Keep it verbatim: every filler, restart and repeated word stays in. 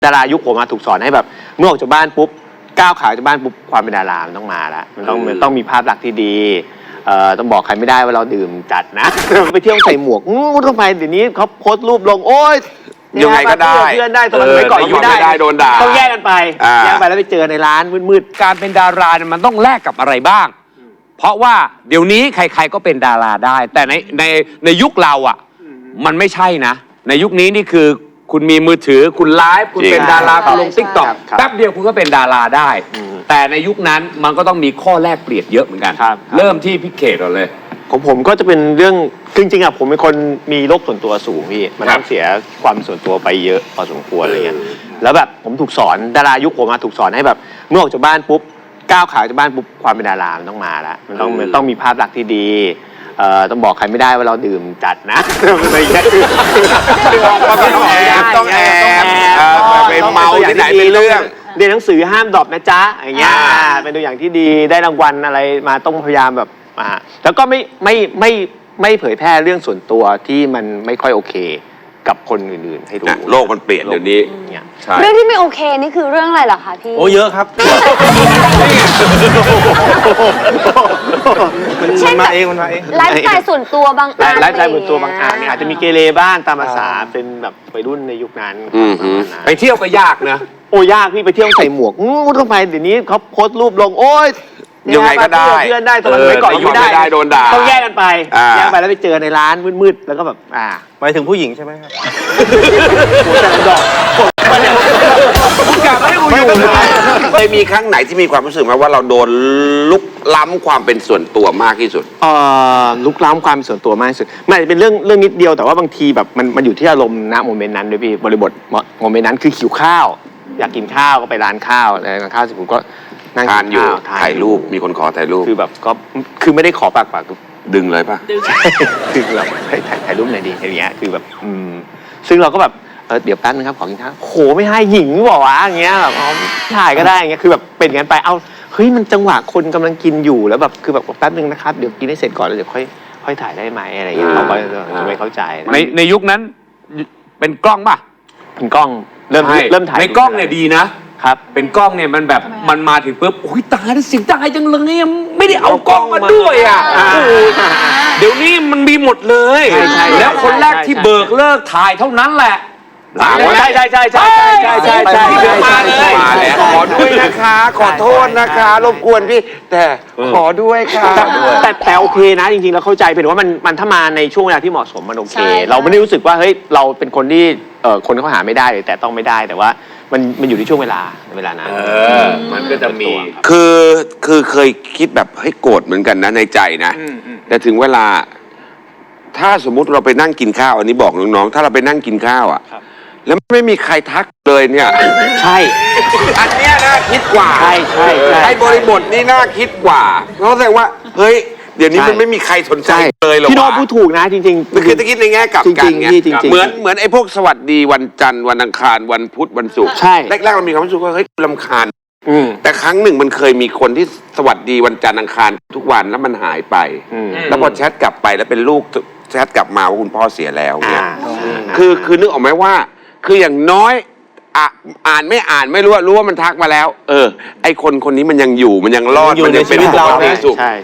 ดารายุคผมมาถูกสอนให้แบบเมื่อออกจากบ้านปุ๊บก้าวขาจากบ้านปุ๊บความเป็นดารามันต้องมาแล้วมันต้องมันต้องมีภาพลักษณ์ที่ดีเอ่อต้องบอกใครไม่ได้ว่าเราดื่มจัดนะ ไปเที่ยวใส่หมวกงูทำไมเดี๋ยวนี้เขาโพสต์รูปลงโอ๊ยยังไงก็ได้เพื่อนได้ตอนสมัยก่อนไม่ได้โดนด่าต้องแยกกันไปแยกไปแล้วไปเจอในร้านมืดๆการเป็นดาราเนี่ยมันต้องแลกกับอะไรบ้างเพราะว่าเดี๋ยวนี้ใครๆก็เป็นดาราได้แต่ในในในยุคเราอ่ะมันไม่ใช่นะในยุคนี้นี่คือคุณมีมือถือคุณไลฟ์คุณเป็นดาราคุณลงติ๊กต็อกแป๊บเดียวคุณก็เป็นดาราได้แต่ในยุคนั้นมันก็ต้องมีข้อแลกเปลี่ยนเยอะเหมือนกันเริ่มที่พี่เขตก่อนเลยของผมก็จะเป็นเรื่องจริงๆอ่ะผมเป็นคนมีโรคส่วนตัวสูงพี่มันต้องเสียความส่วนตัวไปเยอะพอสมควรอะไรเงี้ยแล้วแบบผมถูกสอนดารายุคผมมาถูกสอนให้แบบเมื่อออกจากบ้านปุ๊บก้าวขาจากบ้านปุ๊บความเป็นดารามันต้องมาแล้วมันต้องมันต้องมีภาพลักษณ์ที่ดีเอ่อต้องบอกใครไม่ได้ว่าเราดื่มจัดนะอะไรเงี้ยต้องแอบต้องแอบไปเมาที่ไหนเป็นเรื่องเรียนหนังสือห้ามดรอปนะจ๊ะอย่างเงี้ยเป็นตัวอย่างที่ดีได้รางวัลอะไรมาต้องพยายามแบบมาแล้วก็ไม่ไม่ไม่ไม่เผยแพร่เรื่องส่วนตัวที่มันไม่ค่อยโอเคกับคนอื่นๆให้รู้โลกมันเปลี่ยนเดี๋ยวนี้เรื่องที่ไม่โอเคนี่คือเรื่องอะไรเหรอคะพี่โอ้เยอะครับมันมาเองมันมาเองไลฟ์สไตล์ส่วนตัวบางอันไลฟ์สไตล์ส่วนตัวบางอันเนี่ยอาจจะมีเกเรบ้างตามภาษาเป็นแบบวัยรุ่นในยุคนั้นไปเที่ยวก็ยากนะโอ้ยากพี่ไปเที่ยวใส่หมวกงูทำไมเดี๋ยวนี้เขาโพสต์รูปลงโอ๊ยยังไงก็ได้เพื่อนได้ตอนสมัยก่อนไม่ได้โดนด่าต้องแยกกันไปแยกไปแล้วไปเจอในร้านมืดๆแล้วก็แบบอ่าหมายถึงผู้หญิงใช่ไหมครับแต่ดอกคุณกลับไม่ได้คุณอยู่เคยมีครั้งไหนที่มีความรู้สึกไหมว่าเราโดนลุกล้ำความเป็นส่วนตัวมากที่สุดเอ่อลุกล้ำความเป็นส่วนตัวมากที่สุดมันเป็นเรื่องเรื่องนิดเดียวแต่ว่าบางทีแบบมันมันอยู่ที่อารมณ์ณโมเมนต์นั้นด้วยพี่บริบทโมเมนต์นั้นคือหิวข้าวอยากกินข้าวก็ไปร้านข้าวร้านข้าวสิผมก็นั่งทานอยู่ถ่ายรูปมีคนขอถ่ายรูปคือแบบก็คือไม่ได้ขอปากปากดึงเลยป่ะดึงเราให้ถ่ายถ่ายรูปหน่อยดีอย่างเงี้ยคือแบบอืมซึ่งเราก็แบบเออเดี๋ยวแป๊บนึงครับขอกินข้าวโหไม่ให้หญิงบอกว่าอย่างเงี้ยแบบถ่ายก็ได้อย่างเงี้ยคือแบบเป็นงั้นไปเอาเฮ้ยมันจังหวะคนกำลังกินอยู่แล้วแบบคือแบบแป๊บนึงนะครับเดี๋ยวกินให้เสร็จก่อนแล้วเดี๋ยวค่อยค่อยถ่ายได้ไหมอะไรเงี้ยเขาก็จะไม่เข้าใจในในยุคนั้นเป็นกล้องป่ะเป็นกล้องเริ่มเริ่มถ่ายในกล้องเนี่ยดีนะครับเป็นกล้องเนี่ยมันแบบมันมาถึงปุ๊บโอ้ยตายแล้วเสียงตายจังเลยไม่ได้เอากล้องมาด้วยอ่ะเดี๋ยวนี้มันมีหมดเลยแล้วคนแรกที่เบิกเลิกถ่ายเท่านั้นแหละใช่ใช่ใช่ใช่ใช่ใช่ใช่ใช่ที่เดินมาเลยขอด้วยนะคะขอโทษนะคะรบกวนพี่แต่ขอด้วยค่ะแต่แต่โอเคนะจริงๆเราเข้าใจเป็นว่ามันมันถ้ามาในช่วงเวลาที่เหมาะสมมันโอเคเราไม่ได้รู้สึกว่าเฮ้ยเราเป็นคนที่เอ่อคนเขาหาไม่ได้เลยแต่ต้องไม่ได้แต่ว่ามันมันอยู่ในช่วงเวลาเวลานั้นมันก็จะมีคือคือเคยคิดแบบให้โกรธเหมือนกันนะในใจนะแต่ถึงเวลาถ้าสมมุติเราไปนั่งกินข้าวอันนี้บอกน้องๆถ้าเราไปนั่งกินข้าวอ่ะแล้วไม่มีใครทักเลยเนี่ยใช่อันเนี้ยน่าคิดกว่าใช่ใช่ไอ้บริบทนี่น่าคิดกว่าเพราะแสดงว่าเฮ้ยเดี๋ยวนี้มันไม่มีใครสนใจเลยหรอกพี่โน้ตพูดถูกนะจริงๆมันคือจะคิดในแง่กลับกันไงเหมือนเหมือนไอ้พวกสวัสดีวันจันทร์วันอังคารวันพุธวันศุกร์ใช่แรกๆเรามีความรู้สึกว่าเฮ้ยรำคาญแต่ครั้งหนึ่งมันเคยมีคนที่สวัสดีวันจันทร์อังคารทุกวันแล้วมันหายไปแล้วพอแชทกลับไปแล้วเป็นลูกแชทกลับมาว่าคุณพ่อเสียแล้วเนี่ยคือคือนึกออกไหมว่าคืออย่างน้อยอ่านไม่อ่านไม่รู้ว่ารู้ว่ามันทักมาแล้วเออไอคนคนนี้มันยังอยู่มันยังรอดมันยังเป็นเราสุข